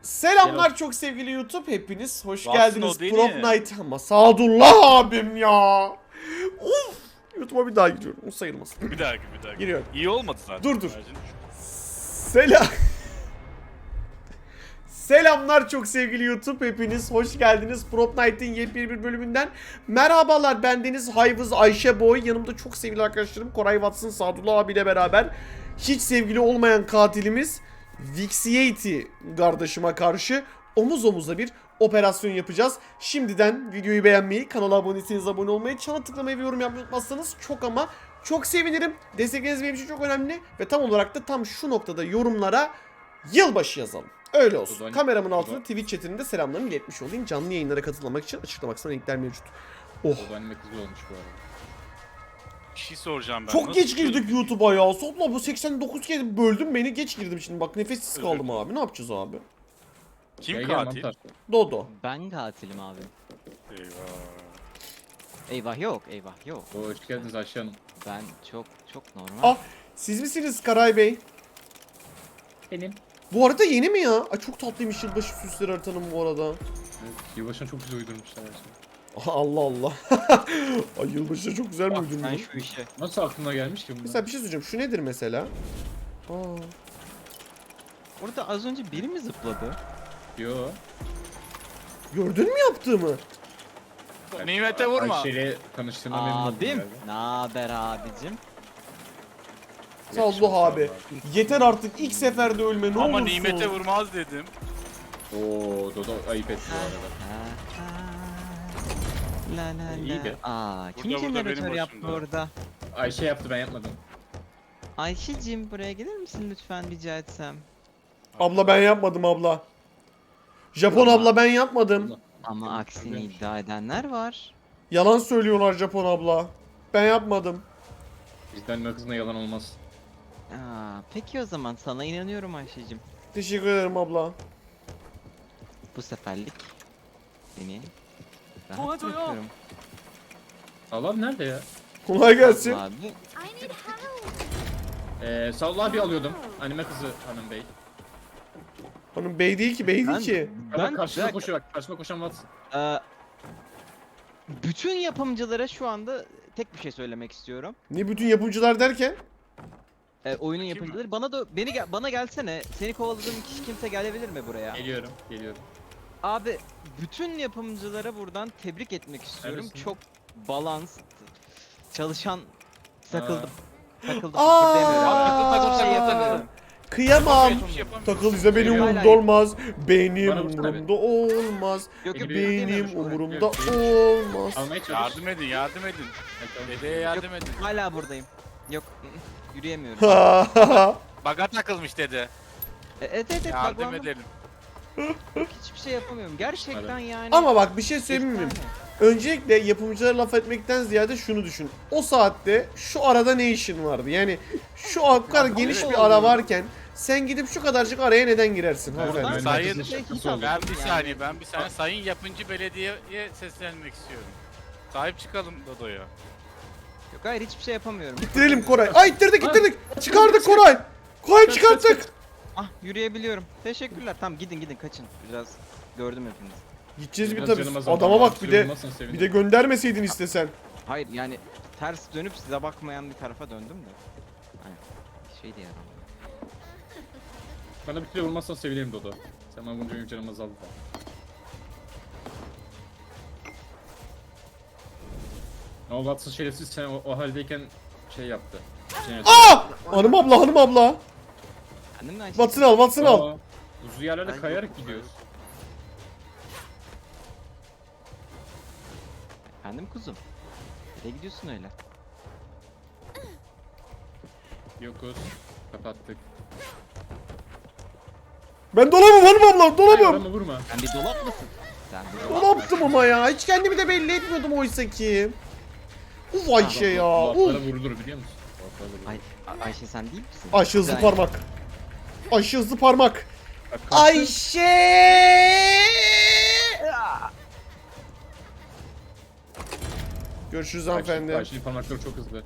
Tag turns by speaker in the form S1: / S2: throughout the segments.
S1: Selamlar çok sevgili YouTube, hepiniz hoş
S2: Watson
S1: geldiniz
S2: o değil
S1: Prop
S2: mi?
S1: Night ama Sadullah abim ya. Uf, YouTube'a bir daha giriyorum, o sayılmasın.
S2: Bir daha.
S1: Giriyorum.
S2: İyi olmadı zaten.
S1: Dur.
S2: Bence.
S1: Selam. Selamlar çok sevgili YouTube, hepiniz hoş geldiniz Prop Night'in yepyeni bir bölümünden. Merhabalar, bendeniz Hayvız Ayşe Boy, yanımda çok sevgili arkadaşlarım Koray Watson, Sadullah abiyle beraber hiç sevgili olmayan katilimiz Vixiety kardeşime karşı omuz omuza bir operasyon yapacağız. Şimdiden videoyu beğenmeyi, kanala abone değilseniz abone olmayı, çana tıklamayı ve yorum yapmayı unutmazsanız çok ama çok sevinirim. Destekleriniz benim için çok önemli ve tam olarak da tam şu noktada yorumlara yılbaşı yazalım. Öyle olsun. Kameramın altında Twitch chatinde selamlarımı iletmiş olayım. Canlı yayınlara katılmak için açıklama kısmına linkler mevcut. Oh.
S3: O anime kızı olmuş bu arada.
S2: Bir şey soracağım ben.
S1: Çok
S2: Nasıl
S1: geç
S2: çıkıyoruz?
S1: girdik YouTube'a ya. Sopla bu 89 kez böldüm beni, geç girdim şimdi. Bak nefessiz
S2: Özür
S1: kaldım abi. Ne yapacağız abi?
S2: Kim
S3: Gel, gel,
S2: katil?
S3: mantar.
S1: Dodo.
S4: Ben katilim abi.
S2: Eyvah.
S4: Eyvah yok, eyvah yok.
S3: Hoş geldiniz Ayşe Hanım.
S4: Ben çok normal.
S1: Ah, siz misiniz Karay Bey?
S3: Benim.
S1: Bu arada yeni mi ya? Ay çok tatlıymış yılbaşı süsleri haritanın bu arada.
S3: Evet, yılbaşına çok güzel uydurmuşlar her şeyi.
S1: Aha, Allah Allah. Ay yılbaşı çok güzel mi
S4: Bak
S1: uydurmuş?
S4: ben şu işe.
S3: Nasıl aklına gelmiş ki bunlar?
S1: Mesela bir şey söyleyeceğim. Şu nedir mesela? Aa.
S4: Orada az önce biri mi zıpladı?
S3: Yo.
S1: Gördün mü yaptığımı?
S2: Nimete vurma.
S3: Ayşe'yle tanıştığıma memnun oldum
S4: Abim.
S3: galiba.
S4: Naber abicim?
S1: Sallu abi. Yeter artık, ilk seferde ölme ne
S2: Ama
S1: olursun.
S2: nimete vurmaz dedim.
S3: Oo, Dodo ayıp etti bu arada.
S4: La la
S3: İyi
S4: la.
S3: be.
S4: Aa, kim
S2: Burada,
S4: jeneratör
S2: benim
S4: yaptı
S2: başımda.
S4: orada?
S3: Ayşe yaptı, ben yapmadım.
S4: Ayşe'cim buraya gelir misin lütfen rica etsem?
S1: Abla ben yapmadım abla. Japon
S4: Ama-
S1: abla ben yapmadım.
S4: Ama aksini iddia edenler var.
S1: Yalan söylüyorlar Japon abla. Ben yapmadım.
S3: Bizden ne kızına yalan olmaz.
S4: Aa, peki o zaman sana inanıyorum Ayşe'cim.
S1: Teşekkür ederim abla.
S4: Bu seferlik seni rahat bırakıyorum.
S3: Allah'ım nerede ya?
S1: Kolay gelsin.
S4: Abi,
S3: Sallah abi alıyordum. Anime kızı hanım bey.
S1: Hanım bey değil ki, bey değil
S4: ben,
S1: ki.
S3: Ben karşıma
S4: ben-
S3: koşuyor bak. Karşıma koşan Watson.
S4: Bütün yapımcılara şu anda tek bir şey söylemek istiyorum.
S1: Ne bütün yapımcılar derken?
S4: Oyunun yapımcıları bana gelsene. Seni kovaladığım kişi kimse gelebilir mi buraya?
S3: Geliyorum.
S4: Abi bütün yapımcılara buradan tebrik etmek istiyorum.
S3: Neredesin?
S4: Çok balans çalışan takıldım. Takıldım.
S1: Aa!
S4: Kıpırdayamıyorum.
S2: Takıl,
S4: Şey
S2: takıl,
S4: yapamıyorum.
S1: Kıyamam.
S2: Hiçbir şey yapamıyorum.
S1: Takıl bize benim
S4: Hayır,
S1: umurumda
S4: hayır.
S1: olmaz. Benim
S3: Bana vursana
S1: umurumda olmaz.
S4: Yok yok
S3: Benim
S1: Benim
S4: kıpırdayamıyorum.
S1: umurumda
S3: Yok,
S1: olmaz.
S3: Almaya çalış.
S2: Yardım edin. Dedeye yardım edin.
S4: Hala buradayım. Yok yürüyemiyorum.
S2: Baga takılmış dede.
S4: Evet
S2: Yardım
S4: baklandım.
S2: edelim.
S4: Hiçbir şey yapamıyorum. Gerçekten yani.
S1: Ama bak bir şey söyleyeyim mi? Öncelikle yapımcılara laf etmekten ziyade şunu düşün. O saatte şu arada ne işin vardı? Yani şu kadar geniş bir ara varken sen gidip şu kadarcık araya neden girersin hanımefendi?
S4: Oradan
S2: Sayın-
S4: bir şey hiç
S3: Ben
S4: almadım
S2: Ben bir
S4: yani.
S2: saniye. Sayın yapımcı belediyeye seslenmek istiyorum. Sahip çıkalım Dodo'ya.
S4: Yok hayır hiçbir şey yapamıyorum.
S1: İttirelim Koray. Ay ittirdik. Çıkardık Koray. Koray çıkarttık.
S4: Ah yürüyebiliyorum. Teşekkürler. Tamam gidin kaçın. Biraz gördüm hepinizi.
S1: Gideceğiz bir
S3: Biraz
S1: tabii.
S3: canım azaldı
S1: Adama
S3: ama
S1: bak bir de
S3: sürülmezsen sevinirim.
S1: göndermeseydin istesen.
S4: Hayır yani ters dönüp size bakmayan bir tarafa döndüm de. Hani şey de yaramıyor.
S3: Bana bir kere vurmazsan sevinirim Dodo. Sen bana vurunca benim canım azaldı da. O Watson şerefsiz sen o haldeyken şey yaptı.
S1: Aa! Hanım abla.
S4: Kendim de aynı
S1: Watson al.
S3: Uzun yerlerde
S4: Ben
S3: kayarak
S4: yok.
S3: gidiyoruz.
S4: Efendim kuzum. Nereye gidiyorsun öyle?
S3: Yokuz. Kapattık.
S1: Ben dolabım hanım abla,
S3: Hayır,
S1: dolabım.
S3: adamı vurma.
S4: Sen bir dolap mısın? Sen bir dolap.
S1: Dolaptım ama ya. Hiç kendimi de belli etmiyordum oysa ki. Uf Ayşe ya.
S3: Dolaplara
S1: Uf.
S3: vurulur biliyor musun? Dolaplara vurulur.
S4: Ay, Ayşe sen değil misin?
S1: Ayşe hızlı
S4: Güzel.
S1: parmak. Ayşe hızlı parmak.
S3: Bak, kalktı.
S1: Ayşe. Görüşürüz hanımefendi.
S3: Ayşe'nin parmakları çok hızlı.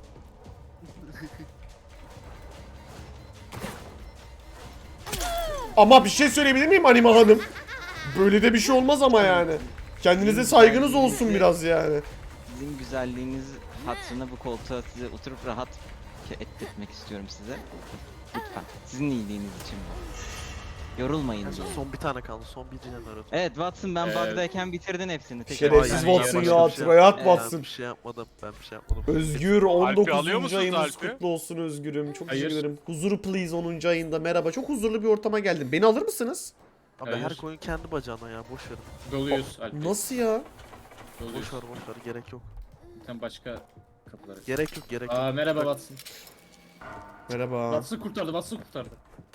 S1: Ama bir şey söyleyebilir miyim Anima Hanım? Böyle de bir şey olmaz ama yani. Kendinize saygınız olsun biraz yani.
S4: Sizin güzelliğiniz hatırına bu koltuğa size oturup rahat ettirmek istiyorum size. Lütfen. Sizin iyiliğiniz için bu. Yorulmayın diye.
S5: Son bir tane kaldı. Son bir jeneratör.
S4: Evet Watson ben
S3: Evet.
S4: bug'dayken bitirdin hepsini.
S1: Şerefsiz
S5: Hayır,
S1: Watson
S5: başka
S1: ya.
S5: bir şey
S1: Tryout
S5: yapmadım.
S1: Watson.
S5: Ben bir şey yapmadım. Ben bir şey yapmadım.
S1: Özgür
S2: alıyor
S1: 19.
S2: musunuz
S1: ayınız
S2: Alp'i?
S1: kutlu olsun Özgür'üm. Çok
S3: Hayır.
S1: teşekkür ederim. Huzuru please 10. ayında. Merhaba. Çok huzurlu bir ortama geldim. Beni alır mısınız?
S5: Abi
S3: Hayır.
S5: her koyun kendi bacağına ya. Boş verin.
S3: Doluyuz Alp.
S1: Nasıl ya?
S3: Doluyuz.
S5: Boş ver boş ver. Gerek yok.
S3: Sen başka kapılara.
S5: Gerek yok gerek yok.
S3: Aa merhaba
S5: Bak,
S3: Watson.
S1: Merhaba.
S3: Watson kurtardı, Watson kurtardı.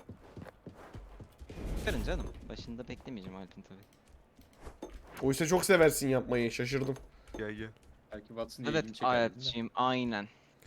S4: Çıkarın canım. Başında beklemeyeceğim Alp'in tabii.
S1: Oysa çok seversin yapmayı. Şaşırdım.
S5: Gel gel.
S3: Belki Watson diye
S4: Evet
S3: ilgini çeker. dedim de.
S4: Alp'ciğim aynen.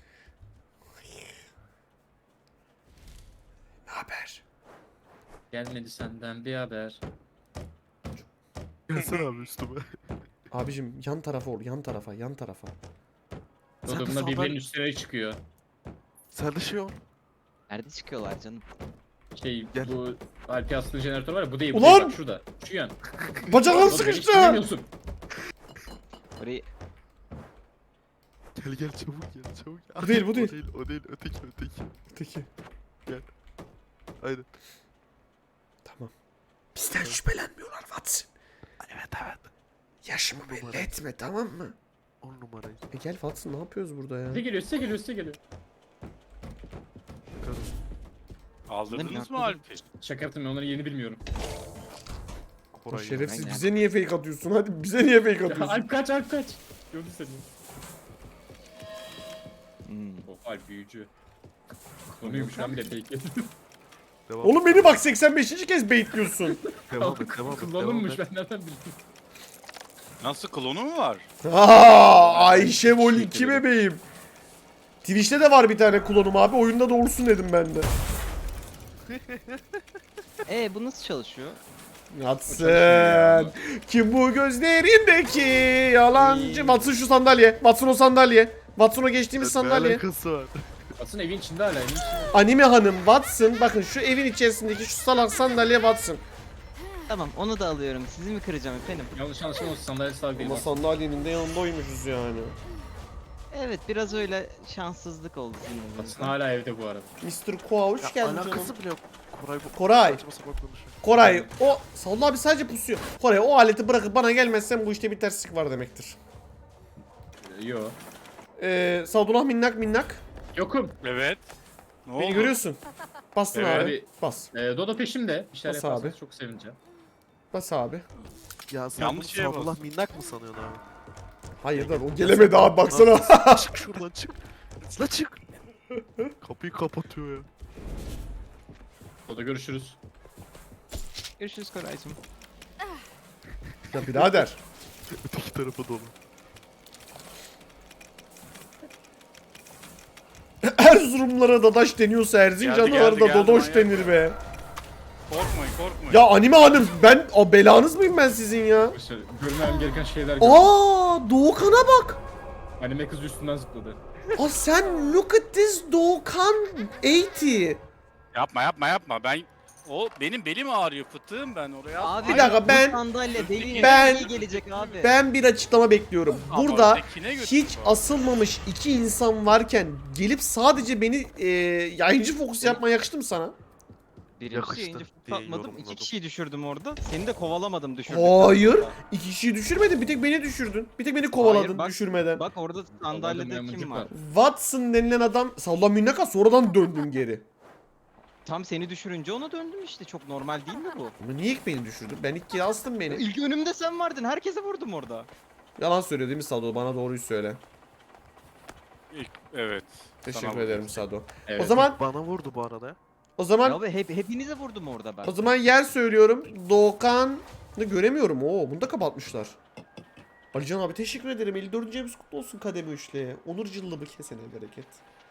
S1: Ne haber?
S3: Gelmedi senden bir haber.
S5: Gelsene abi üstüme.
S1: Abicim yan tarafa ol. Yan tarafa. Yan tarafa.
S5: Sen de
S3: Odamda
S5: sağdan-
S3: birbirinin üstüne çıkıyor.
S5: Sen de şey ol.
S4: Nerede çıkıyorlar canım?
S3: Şey
S5: Gel.
S3: bu Alp'i astığı jeneratör var ya bu değil. Bu
S1: Ulan!
S3: değil, bak şurada. Şu yan.
S1: Bacaklarım
S3: Oğlum, beni
S1: sıkıştı.
S3: istemiyorsun.
S4: Orayı
S5: Gel gel çabuk gel çabuk.
S1: Bu değil, bu
S5: O
S1: değil.
S5: değil o değil öteki öteki.
S1: Öteki.
S5: Aynen.
S1: Tamam. Bizden şüphelenmiyorlar Watson.
S5: Evet evet.
S1: Yaşımı belli etme tamam mı?
S5: 10 numarayı.
S1: Gel Watson ne yapıyoruz burada ya?
S3: Size geliyor, size geliyor, size geliyor.
S2: Aldırdınız mı
S4: Ne?
S2: Alp'i?
S3: Şaka yaptım ben onları yeni bilmiyorum.
S1: O
S5: Koray
S1: şerefsiz
S4: Aynen.
S1: bize niye fake atıyorsun? Hadi bize niye fake
S3: Ya,
S1: atıyorsun?
S3: Alp kaç, Alp kaç. Gördü seni. Oh Alp büyücü. Konuymuş lan bir de fake.
S5: Devam.
S1: Oğlum beni bak 85. kez baitliyorsun.
S5: Devam et devam et.
S3: Kullanılmış
S5: devam et.
S3: ben nereden bildim.
S2: Nasıl klonu mu var?
S1: Ayşe Vol 2 bebeğim. Twitch'te de var bir tane klonum abi. Oyunda da olsun dedim ben de.
S4: bu nasıl çalışıyor?
S1: Watson. Kim bu gözlerindeki yalancı? Watson şu sandalye. Watson o sandalye. Watson o geçtiğimiz
S5: Ne
S1: sandalye.
S5: alakası var?
S3: Aslında evin içinde hala, evin içinde.
S1: Anime hanım Watson. Bakın şu evin içerisindeki şu salak sandalye Watson.
S4: Tamam onu da alıyorum. Sizi mi kıracağım efendim?
S3: Yanlış anlaşılma olsun, sandalye sağ değil.
S1: Ama sandalyenin de yanındaymuşuz yani.
S4: Evet biraz öyle şanssızlık oldu sizin
S3: Watson
S4: yüzünüzden.
S3: hala evde bu arada.
S1: Mr. Koa hoş
S5: Ya
S1: geldin canım.
S5: alakası bile yok. Koray bu.
S1: Koray.
S5: Saçma sapan konuşuyor.
S1: Koray o Salla abi sadece pusuyor. Koray o aleti bırakıp bana gelmezsen bu işte bir terslik var demektir.
S3: Yo.
S1: Sadullah minnak minnak.
S3: Yokum.
S2: Evet. Ne
S1: Beni
S2: oldu?
S1: görüyorsun. Bastın
S2: Evet.
S1: abi. Bas.
S3: Dodo peşimde. Bir şeyler
S1: Bas
S3: yaparsanız
S1: abi.
S3: çok sevineceğim.
S1: Bas abi.
S5: Ya sen
S2: Yanlış
S5: bunu
S2: şeye
S5: Sadullah
S2: bastın.
S5: minnak mı sanıyorsun abi?
S1: Hayır lan o gelemedi abi baksana.
S5: Çık şuradan çık. La çık. Kapıyı kapatıyor ya.
S3: Dodo görüşürüz.
S4: Görüşürüz Koraycığım.
S1: Ya birader.
S5: Öteki tarafa dolu.
S1: Erzurumlara dadaş deniyorsa Erzincanlılara
S2: Geldi,
S1: da
S2: geldi,
S1: dodoş
S2: manyak
S1: denir
S2: ya.
S1: be.
S2: Korkmayın korkmayın.
S1: Ya anime hanım ben o belanız mıyım ben sizin ya?
S3: İşte görmem gereken şeyler gördüm.
S1: Aa Doğukan'a bak.
S3: Anime kız üstünden zıpladı.
S1: Aa sen look at this Doğukan 80.
S2: Yapma yapma yapma. Benim belim ağrıyor fıtığım ben oraya.
S4: Abi
S1: Bir dakika, ben-
S4: bu sandalye beline
S1: ben-
S4: iyi gelecek abi.
S1: Ben bir açıklama bekliyorum.
S2: Ama
S1: Burada
S2: ötekine götür
S1: hiç
S2: bu.
S1: asılmamış iki insan varken gelip sadece beni yayıncı fokus yapmaya yakıştı mı sana?
S4: Birincisi
S5: Yakıştı
S4: yayıncı
S5: diye
S4: atmadım. İki
S5: yorumladım.
S4: kişiyi düşürdüm orada. Seni de kovalamadım düşürdüm.
S1: Hayır. İki kişiyi düşürmedin. Bir tek beni düşürdün. Bir tek beni kovaladın
S4: Hayır, bak-
S1: düşürmeden.
S4: Bak orada sandalyede
S3: Kovaladın,
S4: kim
S3: maymuncuk
S4: var?
S1: Watson denilen adam salla minnaka sonradan döndün geri.
S4: Tam seni düşürünce ona döndüm işte. Çok normal değil mi bu?
S1: Ama niye ilk beni düşürdün? Ben ilk kere astım beni.
S4: İlk önümde sen vardın. Herkese vurdum orada.
S1: Yalan söylüyor değil mi Sado? Bana doğruyu söyle.
S2: Evet.
S1: Teşekkür
S2: Sana
S1: ederim Sado.
S3: Evet.
S1: O zaman
S5: Bana vurdu bu arada ya.
S1: o zaman
S4: Ya hepinize vurdum orada ben.
S1: o zaman yer söylüyorum. Doğukan'ı göremiyorum. Oo bunu da kapatmışlar. Alican abi teşekkür ederim. 54. evimiz kutlu olsun kademe üçlüye. Onur cıllımı kesene bereket.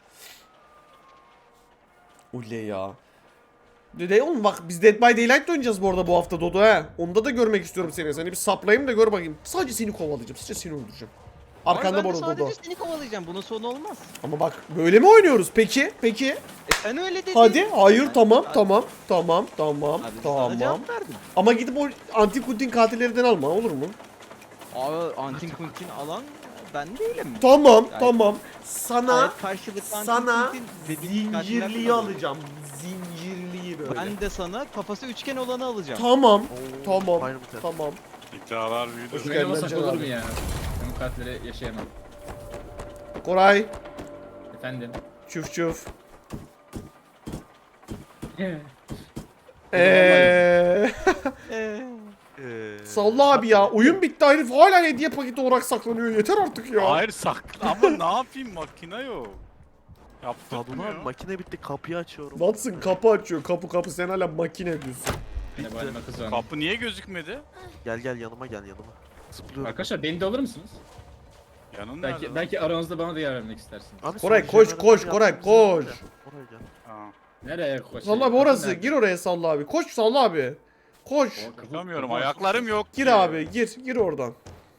S1: Oley ya. Dede oğlum bak biz Dead by Daylight oynayacağız bu arada bu hafta Dodo he. Onda da görmek istiyorum seni. Seni bir saplayayım da gör bakayım. Sadece seni kovalayacağım. Sadece seni öldüreceğim. Arkanda
S4: ben
S1: bu
S4: de
S1: arada Dodo.
S4: sadece seni kovalayacağım. Bunun sonu olmaz.
S1: Ama bak böyle mi oynuyoruz? Peki.
S4: Sen öyle dedin.
S1: Hadi. Hayır
S4: Ben-
S1: tamam
S4: Abi,
S1: tamam
S4: Abi sana
S1: tamam.
S4: cevap verdim.
S1: Ama gidip o antik kutin katillerinden alma olur mu?
S4: Abi antin kuntin alan ben değilim.
S1: Tamam
S4: Gayet-
S1: tamam. Sana
S4: Gayet karşılıklı antin
S1: sana
S4: kuntin dediğin katiller
S1: zincirliyi
S4: kullanıyorum.
S1: alacağım. Zincirliyi böyle.
S4: Ben de sana kafası üçgen olanı alacağım.
S1: Tamam.
S5: Oo,
S1: Tamam.
S5: Final Mutant.
S1: Tamam.
S2: İddialar büyüdü.
S1: Hoş
S3: Böyle
S1: geldin
S3: olmasak
S1: Can
S3: olur
S1: abi.
S3: mu ya? Ben bu katleri yaşayamam.
S1: Koray.
S3: Efendim.
S1: Çuf çuf.
S4: Ee,
S1: Salla abi ya. Oyun bitti herif hala hediye paketi olarak saklanıyor. Yeter artık ya.
S2: Hayır saklı ama ne yapayım makine yok.
S5: Sadullah abi
S2: Yaptırmıyor.
S5: makine bitti kapıyı açıyorum.
S1: Watson kapı açıyor. Kapı sen hala makine diyorsun.
S3: Yine bu halime kızıyorum.
S2: Kapı niye gözükmedi?
S5: Gel yanıma gel yanıma. Zıplıyorum.
S3: Arkadaşlar beni de alır mısınız?
S2: Yanın nerede?
S3: Belki
S2: lan?
S3: belki aranızda bana da yer vermek istersiniz.
S5: Abi,
S1: Koray,
S5: son
S1: koş,
S5: jenerasyonu
S1: koş, Koray,
S5: yaptığımız yerden
S1: koş.
S5: gel. Oraya gel.
S2: Ha.
S3: Nereye koşayım?
S1: Salla abi
S3: Kapı
S1: orası.
S3: nerede?
S1: Gir oraya Salla abi. Koş Salla abi. Koş.
S3: O kapı-
S2: Çıkamıyorum
S3: kapı-
S2: ayaklarım yok
S1: Gir
S2: ki.
S1: abi. Gir oradan.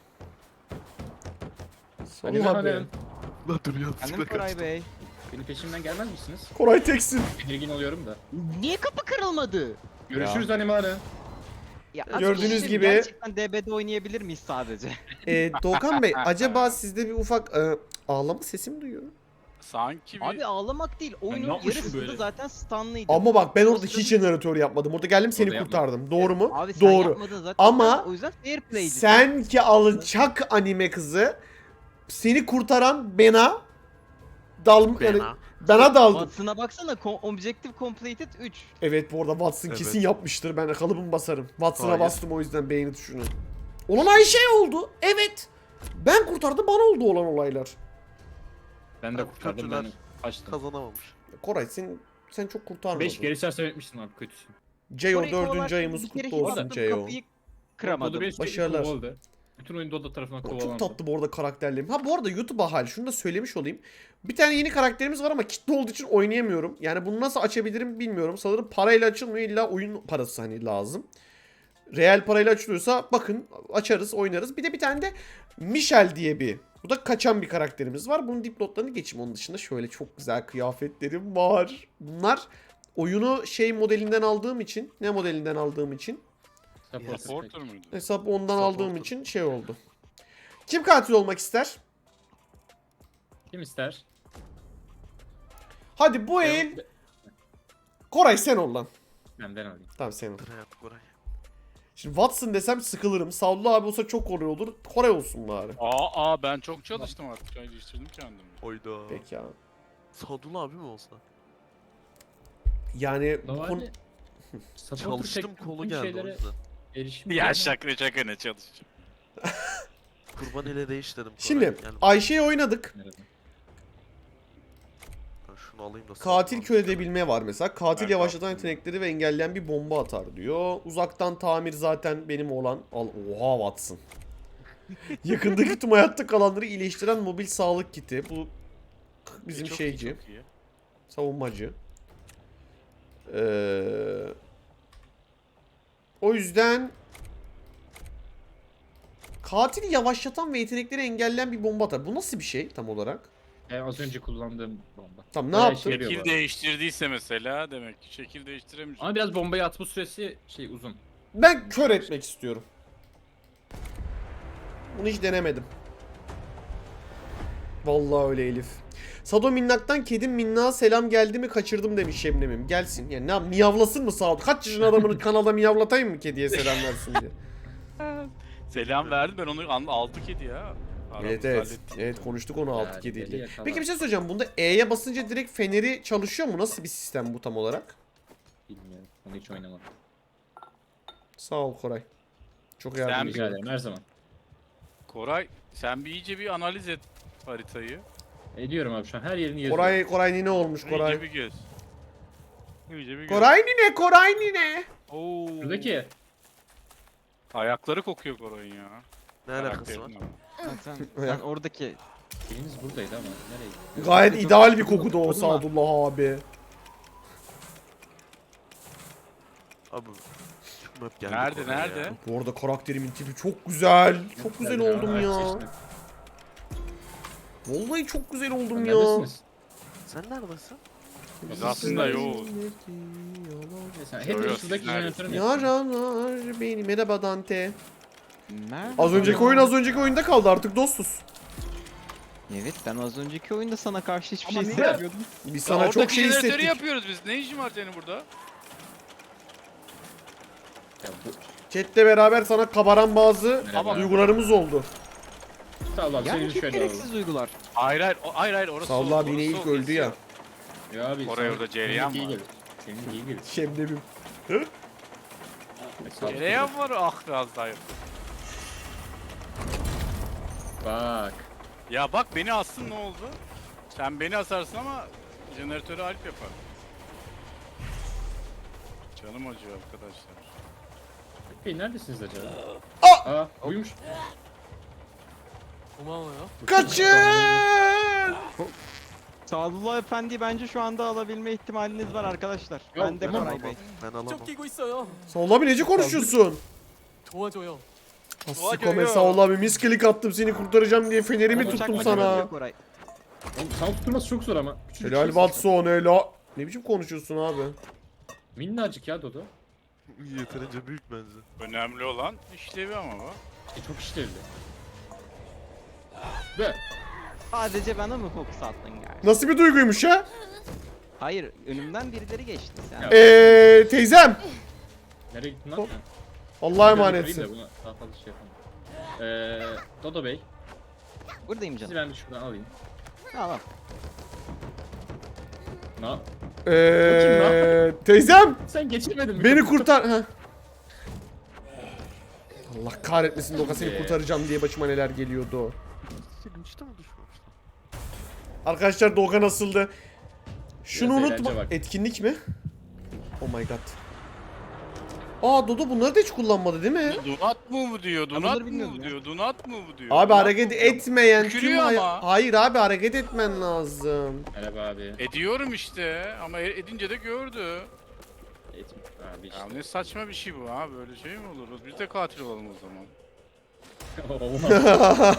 S3: Hadi
S1: Salla abi.
S3: bakalım.
S5: Lan dur ya.
S4: Efendim Koray Bey.
S3: Benim peşimden gelmez misiniz?
S1: Koray teksin.
S3: Tedirgin oluyorum da.
S4: Niye kapı kırılmadı?
S3: Görüşürüz animale.
S4: Ya,
S1: Gördüğünüz
S4: arkadaşım,
S1: gibi-
S4: Gerçekten DB'de oynayabilir miyiz sadece?
S1: Doğukan Bey acaba sizde bir ufak ağlama sesi mi duyuyorum?
S2: Sanki bir...
S4: Abi ağlamak değil.
S3: ne
S4: Oyunun
S3: yapmışım
S4: yarısında
S3: böyle?
S4: zaten stunlıydı.
S1: Ama bak ben
S4: O
S1: orada
S4: sırada-
S1: hiç jeneratör yapmadım. Orada geldim seni
S3: Orada
S1: kurtardım. Doğru mu?
S4: Abi sen
S1: Doğru.
S4: yapmadın zaten.
S1: Ama
S4: O yüzden fair play'di.
S1: Sen ki alçak anime kızı seni kurtaran bana yani
S5: Bena.
S1: bana daldı.
S4: Watson'a baksana. Objective completed 3.
S1: Evet bu arada Watson
S5: Evet.
S1: kesin yapmıştır. Ben kalıbımı basarım. Watson'a
S5: Hayır.
S1: bastım o yüzden beğeni tuşunu. Olan Ayşe oldu. Evet. Ben kurtardım bana oldu olan olaylar.
S3: Ben de
S5: Abi,
S3: kurtardım
S5: kötüler.
S3: ben kaçtım.
S5: Kazanamamış.
S1: Koray sen çok kurtarmadın.
S3: 5 geri çarşı etmişsin abi kötüsün.
S1: Ceyo
S4: Orayı
S1: 4.
S4: kovalarken
S1: ayımız
S4: bir kere
S1: kutlu olsun
S4: hissettim,
S1: Ceyo.
S4: Kapıyı
S3: Dodo
S4: kıramadım.
S3: beni sürekli
S1: Başarılar.
S3: kovaladı. Bütün oyun Dodo tarafından
S1: Çok
S3: kovalandı.
S1: tatlı bu arada karakterlerim. Ha bu arada YouTube'a hal şunu da söylemiş olayım. Bir tane yeni karakterimiz var ama kitle olduğu için oynayamıyorum. Yani bunu nasıl açabilirim bilmiyorum. Sanırım parayla açılmıyor, illa oyun parası hani lazım. Real parayla açılıyorsa bakın açarız oynarız. Bir de bir tane de Michel diye bu da kaçan bir karakterimiz var. Bunun dipnotlarını geçeyim. Onun dışında şöyle çok güzel kıyafetlerim var. Bunlar oyunu şey modelinden aldığım için, ne modelinden aldığım için,
S3: Support
S2: Supporter muydu?
S1: hesap ondan
S5: Supporter.
S1: aldığım için şey oldu. Kim katil olmak ister?
S3: Kim ister?
S1: Hadi bu el Koray sen ol lan.
S3: Ben alayım.
S1: Tamam sen ol.
S5: Hayat Koray.
S1: Şimdi Watson desem sıkılırım. Savlu abi olsa çok kolay olur. Koray olsun bari.
S2: Ben çok çalıştım artık. Çay değiştirdim kendimi.
S5: Oyda.
S1: Peki abi.
S5: Sadullah abi mi olsa?
S1: Yani bu
S3: Normalde
S1: konu...
S3: supporter
S5: Çalıştım
S3: tek
S5: kolu
S3: bütün
S5: geldi o
S3: şeylere
S5: yüzden.
S3: erişim
S2: Ya
S3: yok.
S2: şaka ne çalışacağım.
S5: Kurban ele değiş dedim. Koray.
S1: Şimdi
S5: Gel,
S1: Ayşe'yi oynadık.
S3: Nerede?
S5: ben şunu alayım da.
S1: Katil
S5: Sadullah
S1: kör
S5: abi.
S1: edebilme var mesela. Katil
S2: Ben
S1: yavaşlatan
S2: kaptım.
S1: yetenekleri ve engelleyen bir bomba atar diyor. Uzaktan tamir zaten benim olan. Oha Watson. Yakındaki tüm hayatta kalanları iyileştiren mobil sağlık kiti. Bu bizim
S2: Çok iyi,
S1: şeyci.
S2: çok iyi.
S1: Savunmacı. O yüzden katili yavaşlatan ve yetenekleri engelleyen bir bomba atar. Bu nasıl bir şey tam olarak?
S3: Az önce kullandığım bomba.
S1: Tam ne
S3: Bayağı
S1: yaptın?
S3: işe yarıyor bu
S2: Şekil
S3: arada.
S2: değiştirdiyse mesela demek ki şekil değiştiremeyecek.
S3: Ama biraz bombayı atma süresi uzun.
S1: Ben kör etmek istiyorum. Bunu hiç denemedim. Vallahi öyle Elif. Sado Minnak'tan kedim Minnağa selam geldi mi kaçırdım demiş Şebnem'im. Gelsin. Yani ne yap- miyavlasın mı Sado? Kaç yaşında adamını kanalda miyavlatayım mı kediye selam versin diye.
S2: Selam verdim ben onu aldı kedi ya.
S1: Evet
S2: Aramızda
S1: evet.
S2: hallettik.
S1: Evet konuştuk onu 6
S3: Yani
S1: kediyle.
S3: deli yakala.
S1: Peki bir şey söyleyeceğim. Bunda E'ye basınca direkt feneri çalışıyor mu? Nasıl bir sistem bu tam olarak?
S3: Bilmiyorum. Onu hiç oynamadım.
S1: Sağ ol Koray. Çok
S2: Sen
S1: yardımcı.
S3: Rica ederim her zaman.
S2: Koray sen bir iyice bir analiz et haritayı.
S3: Ediyorum abi şu an her yerini yazıyorum.
S1: Koray nine olmuş
S2: İyice
S1: Koray.
S2: bir göz. İyice bir göz.
S1: Koray nine.
S2: Oo.
S3: Buradaki
S2: Ayakları kokuyor Koray'ın ya.
S5: Ne alakası var?
S2: Karakterinin.
S4: Sen oradaki
S3: eliniz buradaydı ama nereye gitti?
S1: Gayet ideal bir koku da o Sadullah abi.
S5: Abi. Şu map geldi.
S2: Nerede,
S5: Koray
S2: nerede?
S5: ya.
S1: Bu arada karakterimin tipi çok güzel. Çok güzel oldum
S3: Aç
S1: ya.
S3: çeşme.
S1: Vallahi çok güzel oldum ya.
S3: Neredesiniz?
S5: Sen neredesin?
S2: Biz aslında yoğuz.
S3: Mesela
S2: Yo, yo,
S3: hep
S2: siz
S3: şuradaki
S2: neredesiniz?
S3: jeneratörün yapıyorum.
S1: Yaralar beni. Merhaba Dante.
S4: Merhaba.
S1: Az önceki oyun az önceki oyunda kaldı, artık dostuz.
S4: Evet, ben az önceki oyunda sana karşı hiçbir
S3: Ama
S4: şey
S3: niye?
S4: hissetmiyordum.
S1: Biz sana çok şey
S2: jeneratörü
S1: hissettik.
S2: yapıyoruz biz. Ne işin var senin burada?
S3: Ya bu
S1: Chat'le beraber sana kabaran bazı
S3: Merhaba.
S1: duygularımız oldu.
S3: sağ ol abi
S4: Yani
S3: seni
S4: çok
S3: şöyle alalım.
S4: gereksiz duygular.
S2: Hayır orası
S1: Sağ ol
S2: soğuk,
S1: abi, yine
S2: orası
S1: ilk
S2: soğuk,
S1: öldü ya.
S3: Ya abi
S2: Oraya
S3: sana-
S2: orada cereyan
S3: senin iyi
S2: var.
S3: gelir. Senin iyi gelir.
S1: Şemdemim.
S3: Mesela-
S2: Cereyan var, ah biraz daha yok.
S3: Bak.
S2: Ya bak, beni assın ne oldu? Sen beni asarsın ama jeneratörü Alp yapar. Canım acıyor arkadaşlar.
S3: Hey neredesiniz acaba?
S1: Aa!
S3: Aa buymuş.
S1: Kaçın!
S4: Sadullah Efendi bence şu anda alabilme ihtimaliniz var arkadaşlar.
S3: Yok,
S4: Ben de
S3: tamam.
S4: Koray Bey.
S5: Ben alamam.
S6: 끼고 있어요.
S1: Sağ abi, nece konuşuyorsun?
S6: 도와줘요.
S1: Sikome sağ ol abi, misklik attım seni kurtaracağım diye fenerimi
S3: Bıçak
S1: tuttum
S3: mı
S1: sana.
S3: geliyor?
S4: Koray.
S3: Oğlum sana tutturması çok zor ama. Küçücük
S1: Helal
S3: şeysin.
S1: Watson helal. Ne biçim konuşuyorsun abi?
S3: Minnacık ya Dodo.
S5: Yeterince büyük bence.
S2: Önemli olan işlevi ama bak.
S3: Çok işlevli. Ve
S4: Sadece bana mı fokus attın yani?
S1: Nasıl bir duyguymuş ha?
S4: Hayır, önümden birileri geçti sen.
S3: Ya.
S1: Teyzem.
S3: nereye gittin lan?
S1: Hop.
S3: Ha.
S1: Allah'a
S3: Biraz yukarıyım
S1: emanetsin.
S3: da buna daha fazla şey yapamam. Dodo Bey,
S4: Buradayım
S3: sizi
S4: canım.
S3: ben bir şuradan alayım.
S4: Tamam.
S3: Na?
S1: Teyzem.
S3: Sen geçirmedin mi?
S1: Beni kurtar. Heh. Allah kahretmesin Doka, seni
S3: Be.
S1: kurtaracağım diye başıma neler geliyordu.
S5: Senin işte mi düşmemiş?
S1: Arkadaşlar Doka nasıldı? Şunu
S3: Biraz
S1: unutma.
S3: eğlence bak.
S1: Etkinlik mi? Oh my god. Aa Dodo bunları da hiç kullanmadı değil mi?
S2: Donat mı bu diyor?
S4: bunları
S2: Donat mı
S4: bilmiyorum
S2: bu
S4: ya.
S2: diyor? Donat mı bu diyor?
S1: Abi
S2: Donat
S1: hareket
S2: mı bu diyor?
S1: etmeyen tüm
S2: Tükürüyor ama.
S1: Hayır abi, hareket etmen lazım.
S3: Merhaba abi.
S2: Ediyorum işte ama edince de gördü.
S3: Etme. Abi
S2: Ya
S3: işte.
S2: ne saçma bir şey bu ha, böyle şey mi olur? Biz de katil olalım o zaman.
S3: Olmaz.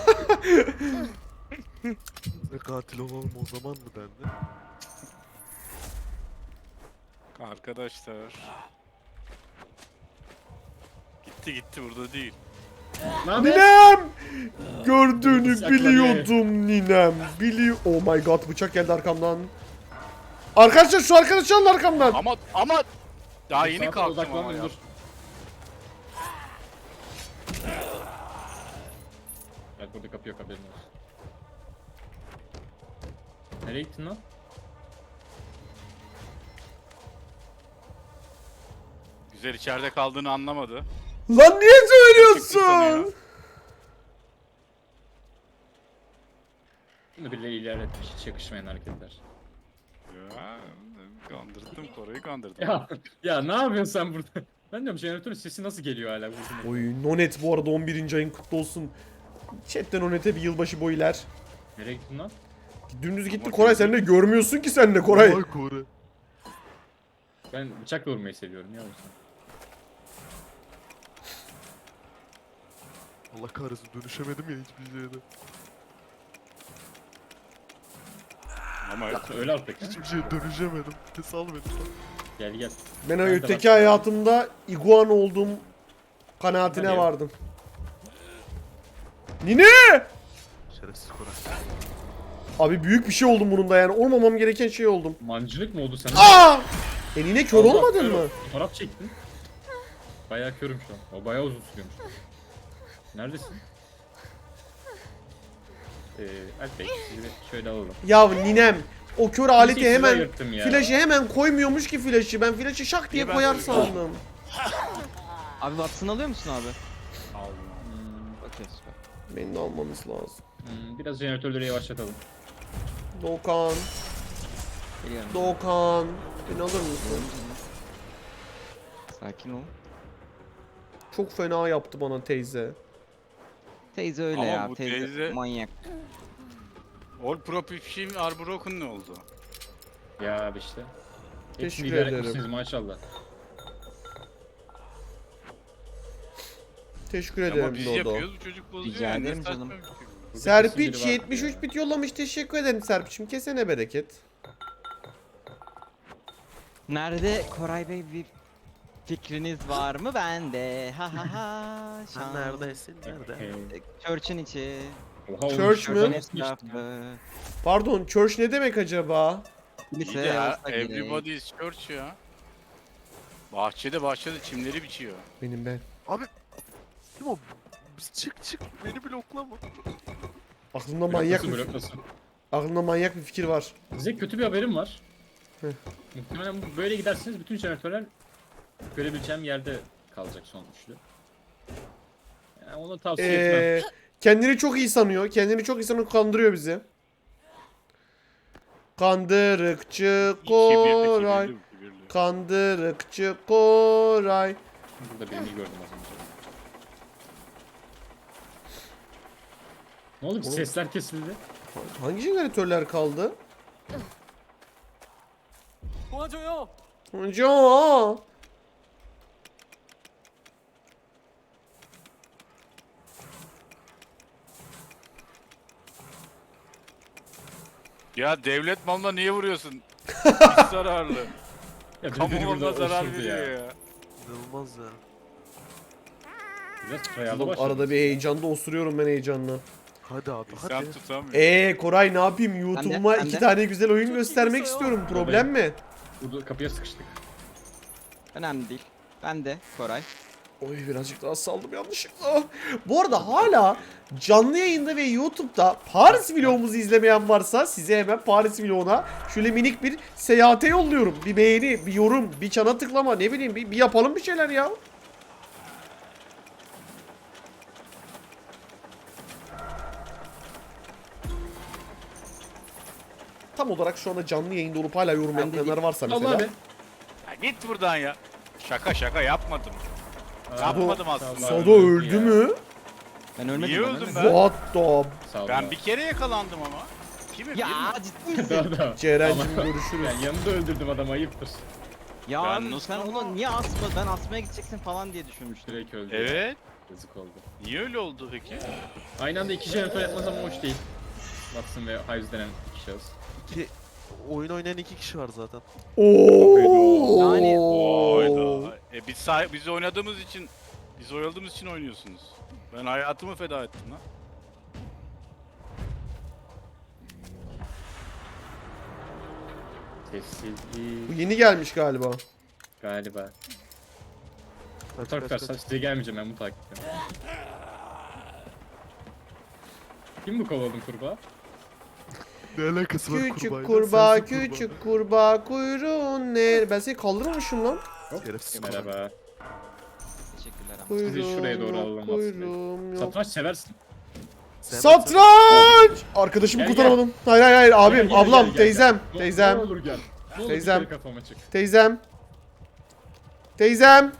S5: Ne katil olalım o zaman mı dendi?
S2: Arkadaşlar. Gitti burada değil.
S3: Ne haber?
S1: Ninem! Gördüğünü
S3: Bıçakla
S1: biliyordum ninem. Oh my god, bıçak geldi arkamdan. Arkadaşlar şu arkadaşı alın arkamdan.
S2: Ama daha yeni
S3: Saate
S2: kalktım
S3: odaklan,
S2: ama ya.
S3: dur. Bak burada kapı yok, haberin olsun. Nereye gittin lan?
S2: Güzel, içeride kaldığını anlamadı.
S1: Lan niye
S2: Çıktı
S1: söylüyorsun?
S2: sanıyor.
S3: Bunu birileri ilerletmiş, hiç yakışmayan hareketler.
S2: Ya, kandırdım, Koray'ı kandırdım.
S3: Ya ne yapıyorsun sen burada? Ben diyorum jeneratörün sesi nasıl geliyor hala burada?
S1: Oy Nonet bu arada 11. ayın kutlu olsun. Chatten Nonet'e bir yılbaşı boylar.
S3: Nereye gittin lan?
S1: Dümdüz gitti
S2: Ama
S1: Koray, sen de görmüyorsun ki sen de Koray.
S5: Vay Kore.
S3: Ben bıçakla vurmayı seviyorum ya o yüzden.
S5: Allah kahretsin, dönüşemedim ya hiçbir şeyde.
S2: Ama
S3: Öyle artık. ha.
S5: Hiçbir şeye dönüşemedim. Sal beni.
S3: Gel gel.
S1: Ben
S3: Ben de
S1: öteki
S3: bak-
S1: hayatımda iguan olduğum kanaatine
S3: Hadi.
S1: vardım. Nine!
S5: Şerefsiz Kore.
S1: Abi büyük bir şey oldum bunun da yani. Olmamam gereken şey oldum.
S3: Mancınık mı oldu sana?
S1: Aa! Nine kör
S3: Allah,
S1: olmadın
S3: kör
S1: mı?
S3: ol. Fotoğraf çektin. Bayağı körüm şu an. O bayağı uzun sürüyormuş. Neredesin? Alp Bey, sizi bir şöyle alalım.
S1: Ya ninem. O kör aleti
S3: Sizi
S1: hemen
S3: ayırttım ya.
S1: flaşı hemen koymuyormuş ki flaşı. Ben flaşı şak diye
S2: İyi, ben
S1: koyar
S2: söyleyeyim.
S1: sandım.
S4: Abi Watson alıyor musun abi?
S2: Aldım.
S4: Okey süper.
S1: Beni de almamız lazım.
S3: Biraz jeneratörleri yavaşlatalım.
S1: Doğukan.
S4: Geliyorum.
S1: Doğukan. Beni alır mısın?
S4: Sakin ol.
S1: Çok fena yaptı bana teyze.
S4: Teyze öyle
S2: Ama
S4: ya.
S2: bu
S4: Teyze,
S2: teyze-
S4: manyak.
S2: All Pro Pipşim Arbroken ne oldu?
S3: Ya abi işte.
S1: Teşekkür
S3: Hepsini idare
S1: ederim.
S3: etmişsiniz maşallah.
S1: Teşekkür
S2: Ama
S1: ederim
S2: biz
S1: Dodo.
S2: yapıyoruz, bu çocuk bozuyor
S4: Rica
S2: yani. Ne
S4: ederim
S2: saçma
S4: canım.
S2: bir şey bu.
S3: kesin
S1: Serpiç
S3: biri vardı
S1: 73
S3: ya.
S1: bit yollamış. Teşekkür ederim Serpiç'im. Kesene bereket.
S4: Nerede Koray Bey, bir fikriniz var mı? Bende. Ha ha ha.
S5: Sen
S4: şans.
S5: neredesin? Nerede?
S3: Okey.
S4: Church'ın içi.
S3: Oha, oğlum,
S1: Church
S3: şuradan
S1: mü?
S3: nasıl geçtin ya?
S4: Etrafı.
S1: Pardon, church ne demek acaba?
S2: İyi
S4: Kilise
S2: de ya,
S4: olsa gerek.
S2: everybody is church ya. Bahçede çimleri biçiyor.
S1: Benim ben.
S5: Kim o? Çık beni bloklama.
S1: Aklımda manyak
S3: Bloklasın,
S1: bir
S3: bloklasın.
S1: aklımda manyak bir fikir var.
S3: Size kötü bir haberim var.
S1: Heh.
S3: Muhtemelen böyle giderseniz bütün jeneratörler görebileceğim yerde kalacak son üçlü. Yani onu tavsiye etmem.
S1: Kendini çok iyi sanıyor. Kendini çok iyi sanıyor. Kandırıyor bizi. Kandırıkçı Koray.
S2: Kibirli.
S1: Kandırıkçı Koray.
S3: Burada birini gördüm az önce. Ne oldu? Sesler kesildi.
S1: Hangi jeneratörler kaldı?
S6: 도와줘요.
S1: Hocam.
S2: Ya devlet malına niye vuruyorsun? Hiç zararlı.
S3: Ya
S2: Kamu
S3: biri
S2: malına
S3: burada
S2: zarar
S3: osurdu
S2: veriyor ya.
S5: İnanılmaz ya.
S3: Biraz kayalı
S1: Oğlum,
S3: başladı.
S1: arada bir heyecanda osuruyorum ben heyecanla.
S5: Hadi abi
S2: İnsan
S5: hadi.
S2: tutamıyor.
S1: Koray ne yapayım? YouTube'uma
S4: ben de.
S1: 2 tane güzel oyun
S6: Çok
S1: göstermek
S6: iyi
S1: istiyorum. Problem mi?
S3: Burada kapıya sıkıştık.
S4: Önemli değil. Ben de Koray.
S1: Oy birazcık daha saldım yanlışlıkla. Bu arada hala canlı yayında ve YouTube'da Paris vlogumuzu izlemeyen varsa size hemen Paris vloguna şöyle minik bir seyahate yolluyorum. Bir beğeni, bir yorum, bir çana tıklama, ne bileyim bir yapalım bir şeyler ya. Tam olarak şu anda canlı yayında olup hala yorum
S4: Ben de
S1: yapmayanlar varsa mesela.
S3: Allah abi.
S2: Ya git buradan ya. Şaka yapmadım. Yapmadım aslında.
S1: Sado öldü mü?
S4: Ben ölmedim.
S2: Niye
S4: ben
S2: öldüm
S4: ölmedim.
S2: ben?
S1: What the...
S3: Sağ ol.
S2: Ben bir kere yakalandım ama. Kimi?
S4: Ya ciddi misin?
S3: Daha.
S1: Ceren'cim
S3: Ama-
S1: görüşürüz.
S3: Yani yanında öldürdüm adamı, ayıptır.
S4: Ya
S2: Ben
S4: abi
S2: nasıl
S4: sen
S2: ama?
S4: onu niye asma? Ben asmaya gideceksin falan diye düşünmüştüm.
S3: Direkt öldü.
S2: Evet.
S3: Yazık oldu.
S2: Niye öyle oldu peki?
S3: Aynı anda iki jeneratör yapmaz ama hoş değil. Watson ve Hives denen iki şahıs.
S5: Ki oyun oynayan 2 kişi var zaten.
S1: Oo.
S4: Yani-
S2: Oyda. Biz oynadığımız için, biz oyaladığımız için oynuyorsunuz. Ben hayatımı feda ettim lan.
S1: Bu
S3: Sessizlik
S1: yeni gelmiş galiba.
S3: galiba.
S5: Kaç
S3: Tarık
S5: kaç
S3: versen
S5: kaç.
S3: size gelmeyeceğim, ben bunu takip ediyorum. Kim bu kovaladım kurbağa?
S5: Ne alakası var
S1: Küçük
S5: kurbağayla?
S1: kurbağa,
S5: Sensin
S1: küçük kurbağa, kuyruğun ne? Ben seni kaldırmamışım lan.
S5: Şerefsiz
S3: Merhaba.
S4: Teşekkürler ama.
S1: Kuyruğum
S3: Sizi şuraya doğru
S1: yok,
S3: alalım Watson Bey.
S1: kuyruğum yok.
S3: Satranç seversin.
S1: Satranç! Arkadaşımı
S3: Gel,
S1: kurtaramadım. Hayır abim,
S3: Gel, gel,
S1: ablam,
S3: gel, gel,
S1: teyzem,
S3: gel.
S1: teyzem,
S3: Ne olur gel. Ne olur
S1: Teyzem.
S3: bir kere kafama çık.
S1: teyzem. Teyzem.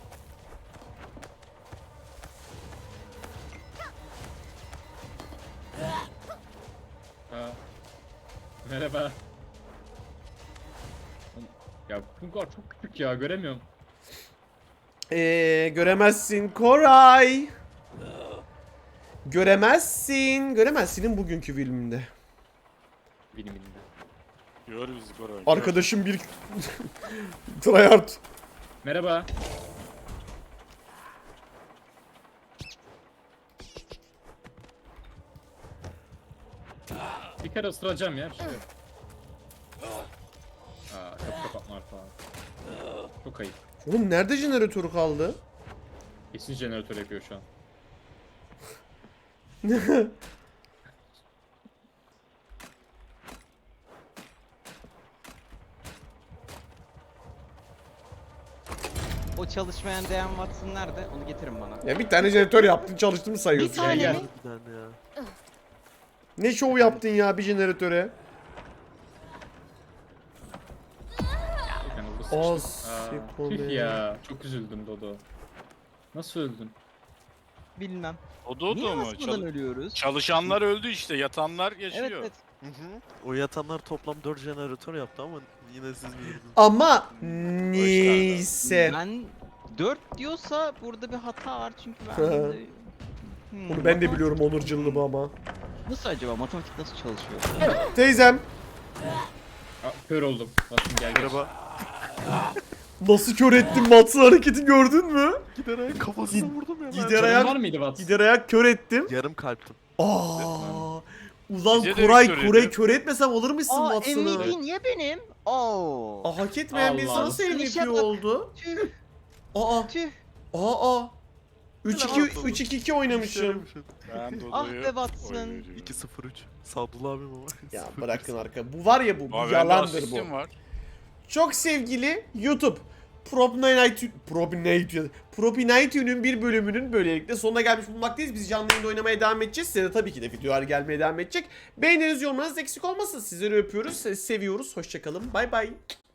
S3: Ha. Merhaba. Ya bu kadar çok küçük ya, göremiyorum.
S1: Göremezsin Koray. Göremezsin. Göremezsin'in bugünkü filminde.
S3: Biliminde.
S2: Gör bizi Koray.
S1: Arkadaşım bir tryhard.
S3: Merhaba. Bir kere ısıracağım ya, bir şey yok. Aa, kapı kapatma falan. Çok ayıp.
S1: Oğlum nerede jeneratörü kaldı?
S3: Kesin jeneratör yapıyor şu an.
S4: O çalışmayan Dejan Watson nerede? Onu getirin bana.
S1: Ya bir tane jeneratör yaptın, çalıştın mı sayıyorsun?
S4: Bir tane
S3: gel.
S4: mi?
S5: Bir tane ya.
S1: Ne şov yaptın ya bir jeneratöre?
S3: Yani burada
S1: Az
S3: sıçtım. Aa,
S1: sikome.
S3: tüh ya. Çok üzüldüm Dodo. Nasıl öldün?
S4: Bilmem.
S2: O
S4: Niye
S2: da mu?
S4: asmadan ölüyoruz?
S2: Çalışanlar öldü işte, yatanlar yaşıyor.
S4: Evet evet.
S5: Hı hı. O yatanlar toplam 4 jeneratör yaptı ama yine siz bilirdiniz.
S1: Ama neyse.
S4: Ben 4 diyorsa burada bir hata var çünkü ben...
S1: Onu ben de biliyorum onurculuğumu ama.
S4: Nasıl acaba? Matematik nasıl çalışıyor?
S1: Teyzem.
S3: Kör oldum. Watson gel gel.
S5: Merhaba.
S1: Nasıl kör ettim Watson hareketi gördün mü?
S5: Gider ayak kafasına vurdum ya.
S1: Gider
S5: ben.
S1: ayak-
S3: Var mıydı Watson?
S1: Gider ayak kör ettim.
S5: Yarım kalptim.
S1: Aa. Ulan
S2: Bize de
S1: Koray
S2: kör
S1: Koray
S2: ediyor.
S1: kör etmesem alır mısın
S4: Aa
S1: Watson'ı?
S4: MVP niye benim? Oo.
S1: Aa, hak etmeyen bir
S3: Allah
S1: insan
S3: Allah.
S1: nasıl
S4: Finish
S1: MVP
S4: yapma.
S1: oldu?
S4: Tüh
S1: Aa.
S4: tüh.
S1: Aa. 3-2
S5: Ulan.
S1: 3-2-2 oynamışım.
S2: Ben
S4: Ah
S2: Dodo'yu
S4: be Watson.
S2: oynuyorum.
S5: 2-0-3. Sadullah abim ama.
S1: Ya
S5: 0-3.
S1: bırakın arka. Bu var ya bu
S2: Abi bende
S1: yalandır bu.
S2: asistim var.
S1: Çok sevgili YouTube. Propinatium'un bir bölümünün böylelikle sonuna gelmiş bulunmaktayız. Biz canlı yayında oynamaya devam edeceğiz. Size de tabii ki de videolar gelmeye devam edecek. Beğeniniz, yorumlarınız eksik olmasın. Sizleri öpüyoruz, seviyoruz. Hoşçakalın. Bay bay.